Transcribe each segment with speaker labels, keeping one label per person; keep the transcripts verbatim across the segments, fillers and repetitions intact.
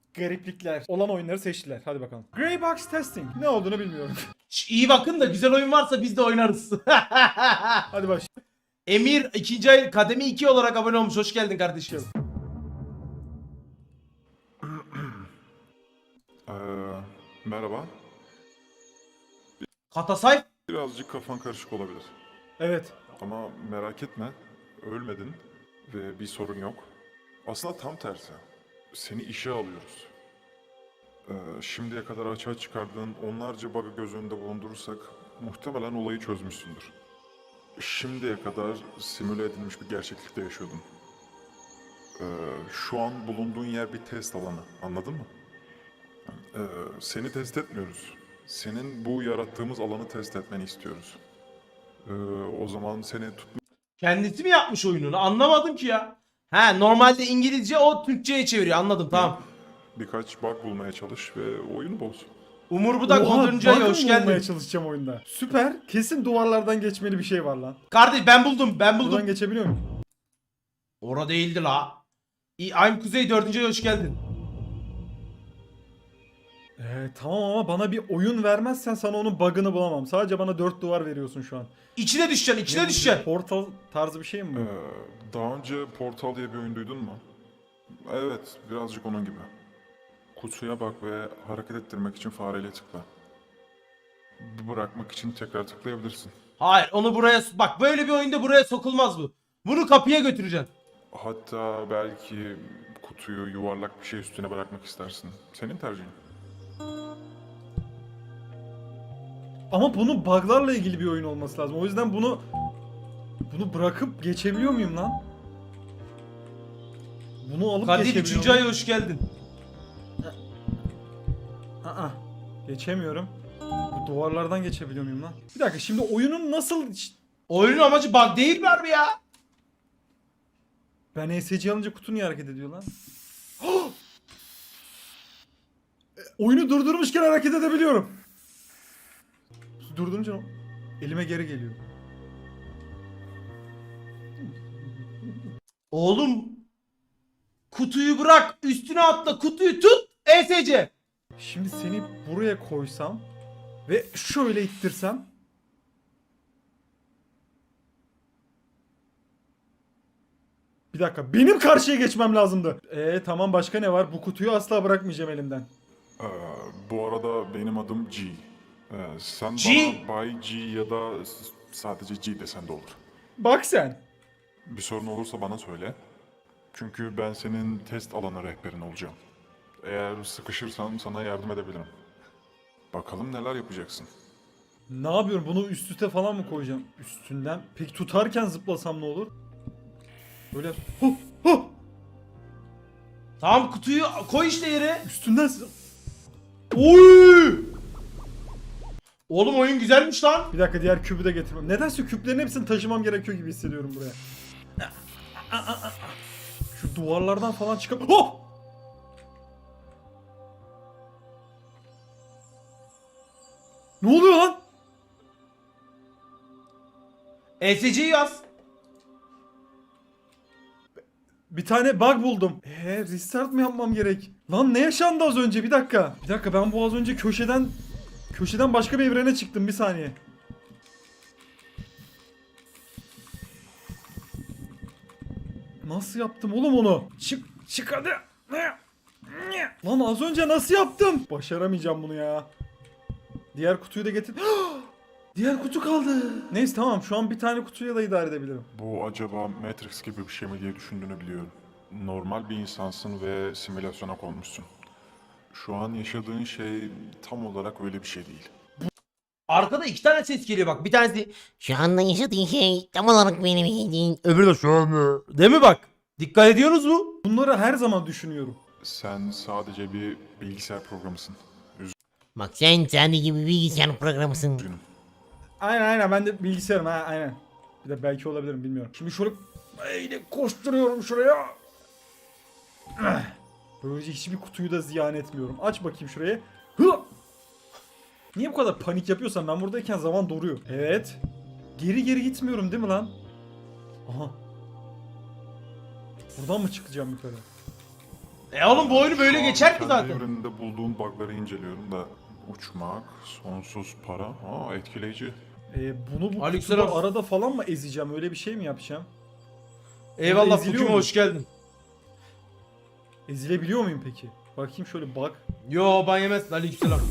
Speaker 1: gariplikler olan oyunları seçtiler. Hadi bakalım. Grey Box Testing. Ne olduğunu bilmiyorum.
Speaker 2: Şş, İyi bakın da güzel oyun varsa biz de oynarız.
Speaker 1: Hadi baş.
Speaker 2: Emir ikinci ay kademi iki olarak abone olmuş. Hoş geldin kardeşim.
Speaker 3: Ee, merhaba.
Speaker 2: Katasay.
Speaker 3: Birazcık kafan karışık olabilir.
Speaker 1: Evet.
Speaker 3: Ama merak etme, ölmedin ve bir sorun yok. Aslında tam tersi. Seni işe alıyoruz. Ee, şimdiye kadar açığa çıkardığın onlarca bug'ı göz önünde bulundurursak muhtemelen olayı çözmüşsündür. Şimdiye kadar simüle edilmiş bir gerçeklikte yaşıyordun. Ee, şu an bulunduğun yer bir test alanı, anladın mı? Ee, seni test etmiyoruz. Senin bu yarattığımız alanı test etmeni istiyoruz. Ee, o zaman seni tut
Speaker 2: Kendisi mi yapmış oyununu? Anlamadım ki ya. He, normalde İngilizce, o Türkçe'ye çeviriyor. Anladım, tamam.
Speaker 3: birkaç bug bulmaya çalış ve oyunu boz.
Speaker 2: Umur Budak
Speaker 1: Oha,
Speaker 2: oduncu ayı,
Speaker 1: bug
Speaker 2: hoş
Speaker 1: mı bulmaya
Speaker 2: geldin.
Speaker 1: çalışacağım oyunda. Süper. Kesin duvarlardan geçmeli bir şey var lan.
Speaker 2: Kardeş ben buldum, ben buldum.
Speaker 1: Buradan geçebiliyor muyum?
Speaker 2: Ora değildi la. İ- I'm Kuzey dördüncü ay, hoş geldin.
Speaker 1: Ee, tamam ama bana bir oyun vermezsen sana onun bug'ını bulamam. Sadece bana dört duvar veriyorsun şu an.
Speaker 2: İçine düşeceksin, içine
Speaker 1: Ne bu,
Speaker 2: düşeceksin.
Speaker 1: Portal tarzı bir şey mi bu?
Speaker 3: Ee, daha önce Portal diye bir oyun duydun mu? Evet, birazcık onun gibi. Kutuya bak ve hareket ettirmek için fareyle tıkla. Bırakmak için tekrar tıklayabilirsin.
Speaker 2: Hayır, onu buraya... Bak böyle bir oyunda buraya sokulmaz bu. Bunu kapıya götüreceksin.
Speaker 3: Hatta belki kutuyu yuvarlak bir şey üstüne bırakmak istersin. Senin tercihin.
Speaker 1: Ama bunun bug'larla ilgili bir oyun olması lazım. O yüzden bunu bunu bırakıp geçebiliyor muyum lan? Bunu alıp
Speaker 2: Kadir
Speaker 1: geçebiliyor
Speaker 2: üçüncü
Speaker 1: muyum?
Speaker 2: ay, hoş geldin.
Speaker 1: Aa, geçemiyorum. Bu duvarlardan geçebiliyor muyum lan? Bir dakika, şimdi oyunun nasıl...
Speaker 2: Oyunun amacı bug değil mi harbi ya?
Speaker 1: Ben E S C alınca kutu niye hareket ediyor lan? E, Oyunu durdurmuşken hareket edebiliyorum. Durdurunca o- elime geri geliyor.
Speaker 2: Oğlum. Kutuyu bırak, üstüne atla, kutuyu tut. E S C.
Speaker 1: Şimdi seni buraya koysam ve şöyle ittirsem. Bir dakika, benim karşıya geçmem lazımdı. Eee tamam, başka ne var? Bu kutuyu asla bırakmayacağım elimden.
Speaker 3: Ee, bu arada benim adım G. Ee, sen
Speaker 2: G?
Speaker 3: bana Bay G ya da s- sadece G desen de olur.
Speaker 1: Bak sen.
Speaker 3: Bir sorun olursa bana söyle. Çünkü ben senin test alanı rehberin olacağım. Eğer sıkışırsan sana yardım edebilirim. Bakalım neler yapacaksın.
Speaker 1: Ne yapıyorum? Bunu üst üste falan mı koyacağım? Üstünden. Peki tutarken zıplasam ne olur? Böyle huh, huh,
Speaker 2: Tamam, kutuyu koy işte yere.
Speaker 1: üstünden zı-
Speaker 2: Oy! Oğlum oyun güzelmiş lan.
Speaker 1: Bir dakika, diğer kübü de getirmem. Nedense küplerin hepsini taşımam gerekiyor gibi hissediyorum buraya. Şu duvarlardan falan çıkıp... Oh! Ne oluyor lan?
Speaker 2: E S C'yi yaz.
Speaker 1: Bir tane bug buldum. Eee restart mı yapmam gerek? Lan ne yaşandı az önce? Bir dakika. Bir dakika, ben bu az önce köşeden... Köşeden başka bir evrene çıktım, bir saniye. Nasıl yaptım oğlum onu? Çık, çık hadi. Lan az önce nasıl yaptım? Başaramayacağım bunu ya. Diğer kutuyu da getir. Diğer kutu kaldı. Neyse tamam, şu an bir tane kutuyla da idare edebilirim.
Speaker 3: Bu acaba Matrix gibi bir şey mi diye düşündüğünü biliyorum. Normal bir insansın ve simülasyona konmuşsun. Şu an yaşadığın şey tam olarak öyle bir şey değil.
Speaker 2: Arkada iki tane ses geliyor bak. Bir tanesi
Speaker 4: Şu anda yaşadığın şey tam olarak benim yediğin.
Speaker 2: öbürü de şu an. Değil mi bak? Dikkat ediyorsunuz mu?
Speaker 1: Bunları her zaman düşünüyorum.
Speaker 3: Sen sadece bir bilgisayar programısın.
Speaker 4: Bak sen sadece bir bilgisayar programısın.
Speaker 3: Üzgünüm.
Speaker 1: Aynen aynen, ben de bilgisayarım ha, aynen. Bir de belki olabilirim, bilmiyorum. Şimdi şöyle böyle koşturuyorum şuraya. Ah. Böylece hiçbir kutuyu da ziyan etmiyorum. Aç bakayım şurayı. Hı! Niye bu kadar panik yapıyorsan, ben buradayken zaman duruyor. Evet. Geri geri gitmiyorum değil mi lan? Aha. Buradan mı çıkacağım yukarı?
Speaker 2: E oğlum bu oyunu böyle
Speaker 3: Şu an
Speaker 2: geçer ki
Speaker 3: kendi
Speaker 2: zaten.
Speaker 3: evreninde bulduğun bug'ları inceliyorum da uçmak, sonsuz para, aa etkileyici.
Speaker 1: Ee, bunu bu
Speaker 2: Aleykümselam.
Speaker 1: kutuda arada falan mı ezeceğim? Öyle bir şey mi yapacağım?
Speaker 2: Eyvallah
Speaker 1: eziliyor
Speaker 2: Pokemon
Speaker 1: mu?
Speaker 2: hoş geldin.
Speaker 1: Ezilebiliyor muyum peki? Bakayım şöyle bak.
Speaker 2: Yo ban yemezsin aleykümselam.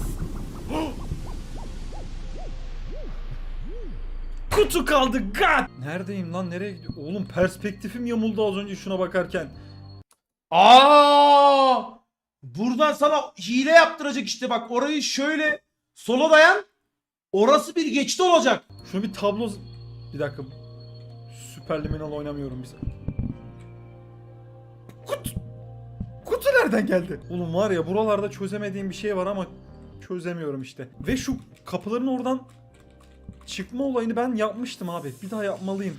Speaker 1: Kutu kaldı god! Neredeyim lan, nereye gidiyorum? Oğlum perspektifim yamuldu az önce şuna bakarken.
Speaker 2: Aa! Buradan sana hile yaptıracak işte bak orayı şöyle sola dayan. Orası bir geçit olacak.
Speaker 1: Şunu bir tablo... Bir dakika. Süperliminal oynamıyorum biz. Kutu... Kutu nereden geldi? Oğlum var ya buralarda çözemediğim bir şey var ama çözemiyorum işte. Ve şu kapıların oradan çıkma olayını ben yapmıştım abi. Bir daha yapmalıyım.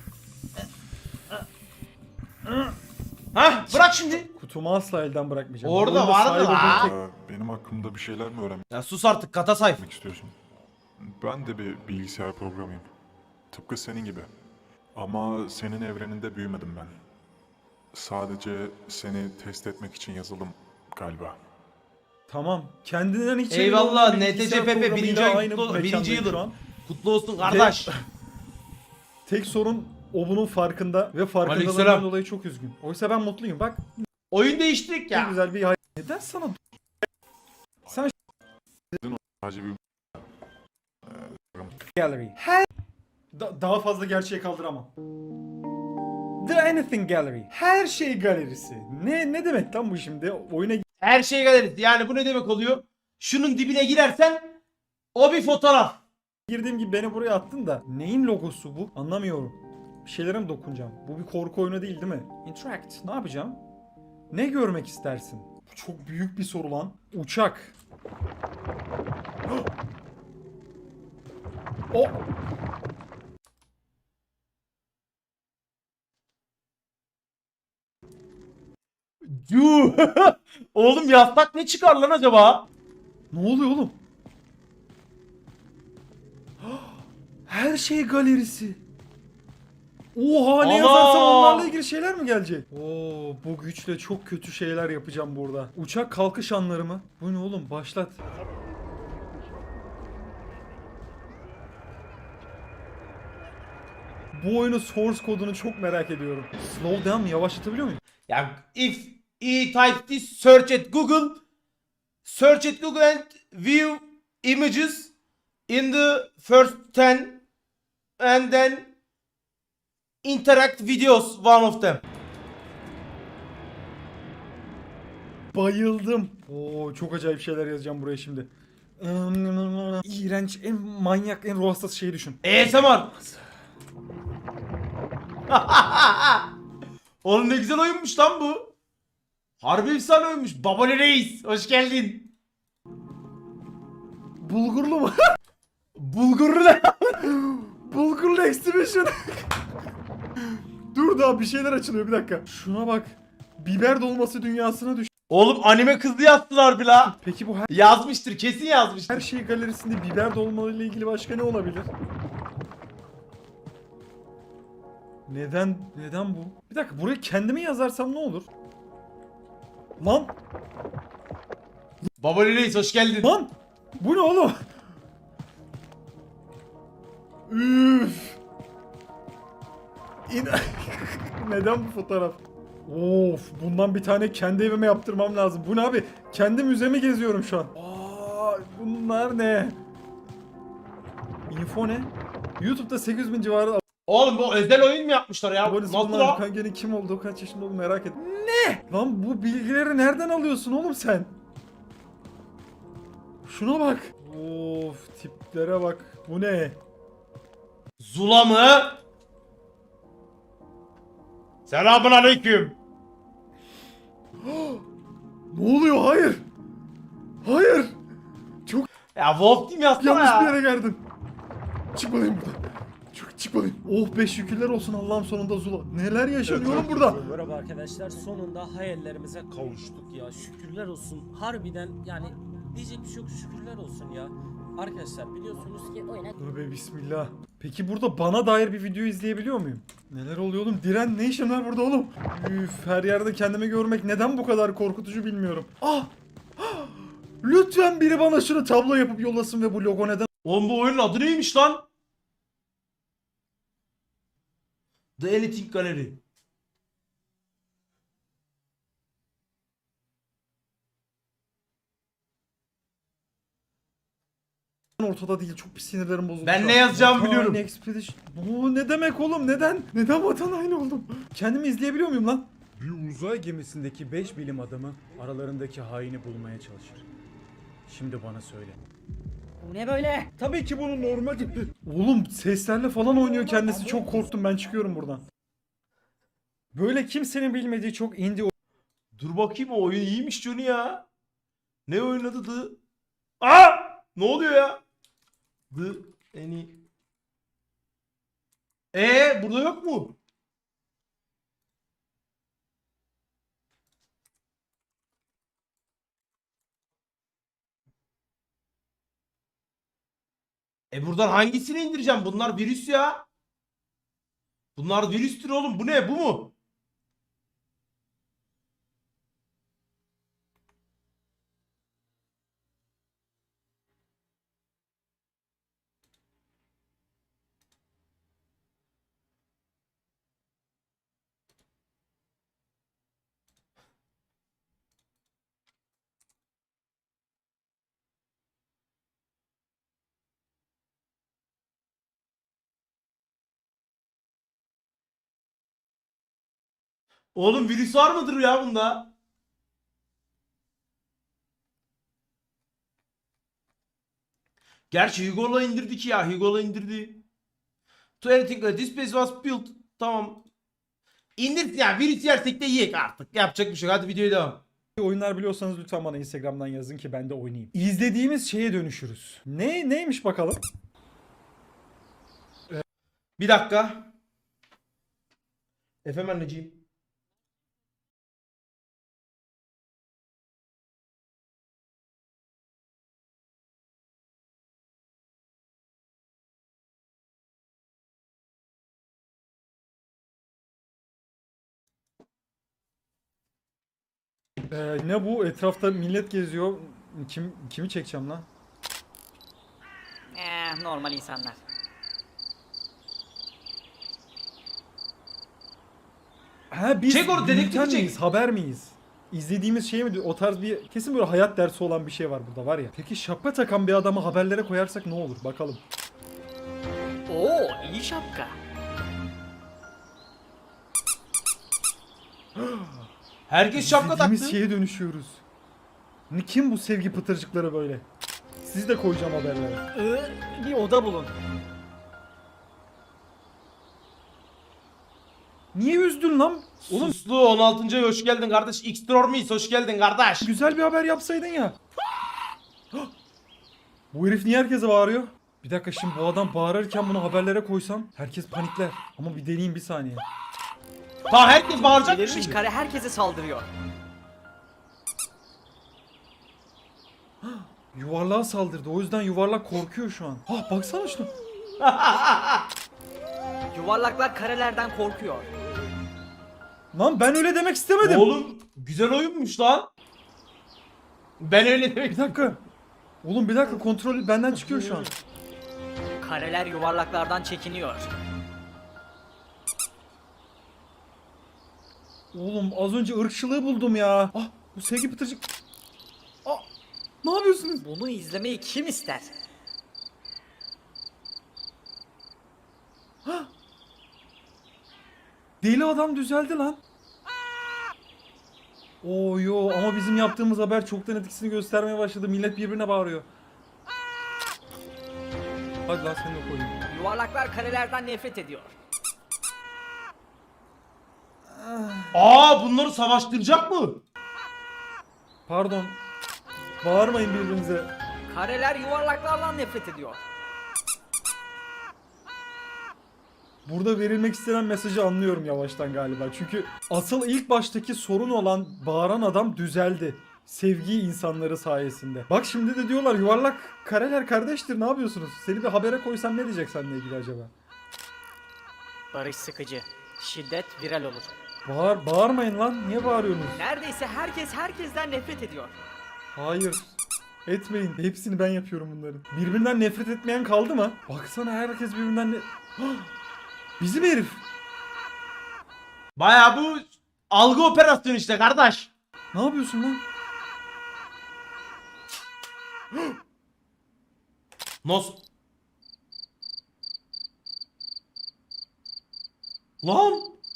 Speaker 2: Hah bırak şimdi.
Speaker 1: Kutumu asla elden bırakmayacağım.
Speaker 2: Orada
Speaker 1: Oyunda
Speaker 2: vardı
Speaker 1: sahip olduğum
Speaker 2: lan.
Speaker 1: tek-
Speaker 3: Ee, benim hakkımda bir şeyler mi öğrenmek
Speaker 2: Ya sus artık kata sayf.
Speaker 3: istiyorsun? Ben de bir bilgisayar programıyım. Tıpkı senin gibi. Ama senin evreninde büyümedim ben. Sadece seni test etmek için yazılım galiba.
Speaker 1: Tamam. Kendinden hiç emin
Speaker 2: Eyvallah
Speaker 1: olmayan
Speaker 2: N T
Speaker 1: bilgisayar
Speaker 2: C P P
Speaker 1: programıyla
Speaker 2: birinci ay
Speaker 1: aynı
Speaker 2: kutlu, birinci
Speaker 1: mekandayım
Speaker 2: yılın.
Speaker 1: şu an.
Speaker 2: Kutlu olsun kardeş.
Speaker 1: Tek sorun o bunun farkında ve farkındalığından
Speaker 2: Aleykümselam.
Speaker 1: dolayı çok üzgün. Oysa ben mutluyum. Bak
Speaker 2: Oyun değiştirdik
Speaker 1: ne
Speaker 2: ya.
Speaker 1: güzel bir hay- Neden sana sen
Speaker 3: Sadece bir
Speaker 1: Gallery. Her Da- daha fazla gerçeğe kaldıramam. The Anything Gallery. Her şey galerisi. Ne ne demek lan bu şimdi? Oyuna
Speaker 2: Her şey galerisi. Yani bu ne demek oluyor? Şunun dibine girersen o bir fotoğraf.
Speaker 1: girdiğim gibi beni buraya attın da neyin logosu bu? Anlamıyorum. Bir şeylere mi dokunacağım? Bu bir korku oyunu değil değil mi? Interact. Ne yapacağım? Ne görmek istersin? Bu çok büyük bir soru lan. Uçak. O
Speaker 2: Yuh. Oğlum yastak ne çıkar lan acaba?
Speaker 1: ne oluyor oğlum? Her şey galerisi. Oha ne
Speaker 2: Ana!
Speaker 1: yazarsam onlarla ilgili şeyler mi gelecek? Oo bu güçle çok kötü şeyler yapacağım burada. Uçak kalkış anları mı? Bu ne oğlum? Başlat. Bu oyunun source kodunu çok merak ediyorum. Slow down mı? Yavaşlatabiliyor muyum?
Speaker 2: Ya if he type this search at Google search at Google and view images in the first ten and then interact videos one of them.
Speaker 1: Bayıldım. Oo çok acayip şeyler yazacağım buraya şimdi. İğrenç, en manyak, en ruh hastası şeyi düşün.
Speaker 2: A S M R. Oğlum ne güzel oyunmuş lan bu. Harbi efsane oyunmuş. Babali Reis hoş geldin.
Speaker 1: Bulgurlu mu?
Speaker 2: Bulgurlu ne?
Speaker 1: Bulgurlu exhibition. Dur daha bir şeyler açılıyor bir dakika. Şuna bak. Biber dolması dünyasına düş.
Speaker 2: Oğlum anime kızı yazdılar bir la.
Speaker 1: Peki bu her,
Speaker 2: Yazmıştır kesin yazmıştır.
Speaker 1: her şey galerisinde biber dolmalarıyla ilgili başka ne olabilir? Neden neden bu? Bir dakika buraya kendimi yazarsam ne olur? Lan
Speaker 2: Babali Reis hoş geldin.
Speaker 1: lan bu ne oğlum? Üf. İn- Neden bu fotoğraf? Of bundan bir tane kendi evime yaptırmam lazım. Bu ne abi? Kendi müzemi geziyorum şu an. Aa, bunlar ne? Info ne? YouTube'da sekiz bin civarı
Speaker 2: Oğlum bu özel oyun mu yapmışlar ya?
Speaker 1: abonesi
Speaker 2: Nasıl
Speaker 1: bulunan
Speaker 2: o?
Speaker 1: Kange'nin kim olduğu, kaç yaşında olduğunu merak et. Ne? Lan bu bilgileri nereden alıyorsun oğlum sen? Şuna bak. Of tiplere bak. Bu ne?
Speaker 2: Zula mı? Selamun aleyküm.
Speaker 1: Ne oluyor? Hayır. Hayır.
Speaker 2: Ya Wolf Team yazsana
Speaker 1: Yanlış bir
Speaker 2: ya.
Speaker 1: yere geldim. Çıkmalıyım buradan. Çık, çıkmalıyım. Oh be şükürler olsun Allah'ım sonunda Zula. Neler yaşanıyor oğlum burada?
Speaker 5: Merhaba arkadaşlar, sonunda hayallerimize kavuştuk ya, şükürler olsun. Harbiden yani diyecek bir şey yok, şükürler olsun ya. Arkadaşlar biliyorsunuz ki oyuna
Speaker 1: Tövbe bismillah. Peki burada bana dair bir video izleyebiliyor muyum? Neler oluyor oğlum? Diren ne işin var burada oğlum? Üf, her yerde kendimi görmek neden bu kadar korkutucu bilmiyorum. Ah! Ah! Lütfen biri bana şunu tablo yapıp yollasın ve bu logo neden
Speaker 2: Oğlum bu oyunun adı neymiş lan? The Anything Gallery.
Speaker 1: ortada değil? Çok bir sinirlerim bozuldu.
Speaker 2: Ben
Speaker 1: şu
Speaker 2: ne
Speaker 1: an.
Speaker 2: yazacağımı
Speaker 1: Vatan
Speaker 2: biliyorum.
Speaker 1: Haini Expedition. Bu ne demek oğlum? Neden? Neden vatan haini oldum? Kendimi izleyebiliyor muyum lan?
Speaker 6: Bir uzay gemisindeki beş bilim adamı aralarındaki haini bulmaya çalışır. Şimdi bana söyle.
Speaker 5: Bu ne böyle?
Speaker 1: Tabii ki bunu normal. Oğlum seslerle falan oynuyor kendisi. Çok korktum, ben çıkıyorum buradan. Böyle kimsenin bilmediği çok indie
Speaker 2: Dur bakayım, o oyun iyiymiş Johnny ya. Ne oynadı The... Aa! Ne oluyor ya? The Any... Ee burada yok mu? E buradan hangisini indireceğim? Bunlar virüs ya. Bunlar virüstür oğlum. Bu ne? Bu mu? Oğlum virüs var mıdır ya bunda? Gerçi Hugo'la indirdik ya. Hugo'la indirdi. To anything like this place was built. Tamam. İndir ya, virüs yersek de yiyek artık. Yapacak bir şey yok. Hadi videoya devam.
Speaker 1: oyunlar biliyorsanız lütfen bana Instagram'dan yazın ki ben de oynayayım. İzlediğimiz şeye dönüşürüz. Ne neymiş bakalım?
Speaker 2: Bir dakika. Efendim anneciğim.
Speaker 1: Ee, ne bu? Etrafta millet geziyor. Kim kimi çekeceğim lan?
Speaker 7: Eh, normal insanlar.
Speaker 1: Ha biz
Speaker 2: Çek onu, dedektifi
Speaker 1: bülten
Speaker 2: çek.
Speaker 1: miyiz? Haber miyiz? İzlediğimiz şey mi? O tarz bir kesin böyle hayat dersi olan bir şey var burada var ya. Peki şapka takan bir adamı haberlere koyarsak ne olur? Bakalım.
Speaker 7: Oo, iyi şapka.
Speaker 2: Herkes şapka
Speaker 1: İzlediğimiz
Speaker 2: taktı.
Speaker 1: şeye dönüşüyoruz. Ne kim bu sevgi pıtırcıkları böyle? Sizi de koyacağım haberlere.
Speaker 7: Ee, bir oda bulun.
Speaker 1: Niye üzdün lan? Oğlum
Speaker 2: Suslu on altıncı ay hoş geldin kardeş. Xtrormis hoş geldin kardeş.
Speaker 1: güzel bir haber yapsaydın ya. Bu herif niye herkese bağırıyor? Bir dakika, şimdi bu adam bağırırken bunu haberlere koysam herkes panikler. Ama bir deneyeyim bir saniye.
Speaker 2: Tamam, herkes bağıracak mı
Speaker 7: Belirmiş
Speaker 2: şimdi?
Speaker 7: kare herkese saldırıyor.
Speaker 1: Yuvarlığa saldırdı. O yüzden yuvarlak korkuyor şu an. Ah baksana şuna.
Speaker 7: Yuvarlaklar karelerden korkuyor.
Speaker 1: Lan ben öyle demek istemedim.
Speaker 2: Oğlum güzel oyunmuş lan. Ben öyle demek
Speaker 1: Bir dakika. Oğlum bir dakika, kontrol benden çıkıyor şu an.
Speaker 7: Kareler yuvarlaklardan çekiniyor.
Speaker 1: Oğlum az önce ırkçılığı buldum ya. Ah bu sevgi pıtırcık. Ah ne yapıyorsunuz?
Speaker 7: Bunu izlemeyi kim ister?
Speaker 1: Deli adam düzeldi lan. Oo yo, ama bizim yaptığımız haber çoktan etkisini göstermeye başladı. Millet birbirine bağırıyor. Hadi lan seni de koyayım.
Speaker 7: Yuvarlaklar karelerden nefret ediyor.
Speaker 2: Aa, bunları savaştıracak mı?
Speaker 1: Pardon. Bağırmayın birbirinize.
Speaker 7: Kareler yuvarlaklardan nefret ediyor.
Speaker 1: Burada verilmek istenen mesajı anlıyorum yavaştan galiba. Çünkü asıl ilk baştaki sorun olan bağıran adam düzeldi. sevgi insanları sayesinde. Bak şimdi de diyorlar yuvarlak kareler kardeştir, ne yapıyorsunuz? Seni bir habere koysam ne diyecek seninle ilgili acaba?
Speaker 7: Barış sıkıcı. Şiddet viral olur.
Speaker 1: Bağır, bağırmayın lan. Niye bağırıyorsunuz?
Speaker 7: Neredeyse herkes herkesten nefret ediyor.
Speaker 1: Hayır. Etmeyin. Hepsini ben yapıyorum bunların. Birbirinden nefret etmeyen kaldı mı? Baksana herkes birbirinden ne... Bizim herif.
Speaker 2: Baya bu algı operasyonu işte kardeş.
Speaker 1: Ne yapıyorsun lan?
Speaker 2: Nasıl? Lan!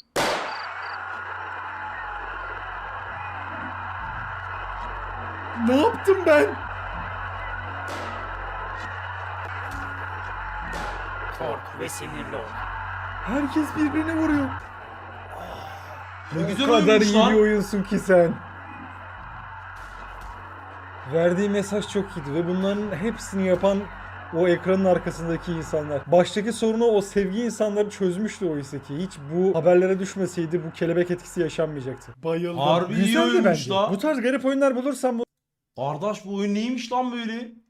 Speaker 1: Ne yaptım ben?
Speaker 7: Kork ve sinirli ol.
Speaker 1: Herkes birbirine vuruyor.
Speaker 2: Ne güzel
Speaker 1: O kadar
Speaker 2: oyunmuş
Speaker 1: iyi
Speaker 2: lan.
Speaker 1: bir oyunsun ki sen. Verdiği mesaj çok iyiydi ve bunların hepsini yapan o ekranın arkasındaki insanlar. Baştaki sorunu o sevgi insanları çözmüştü oysa ki. Hiç bu haberlere düşmeseydi bu kelebek etkisi yaşanmayacaktı. Bayıldım.
Speaker 2: Harbi iyi
Speaker 1: Güzeldi
Speaker 2: oyunmuş
Speaker 1: bence.
Speaker 2: la.
Speaker 1: Bu tarz garip oyunlar bulursam
Speaker 2: Kardeş bu oyun neymiş lan böyle?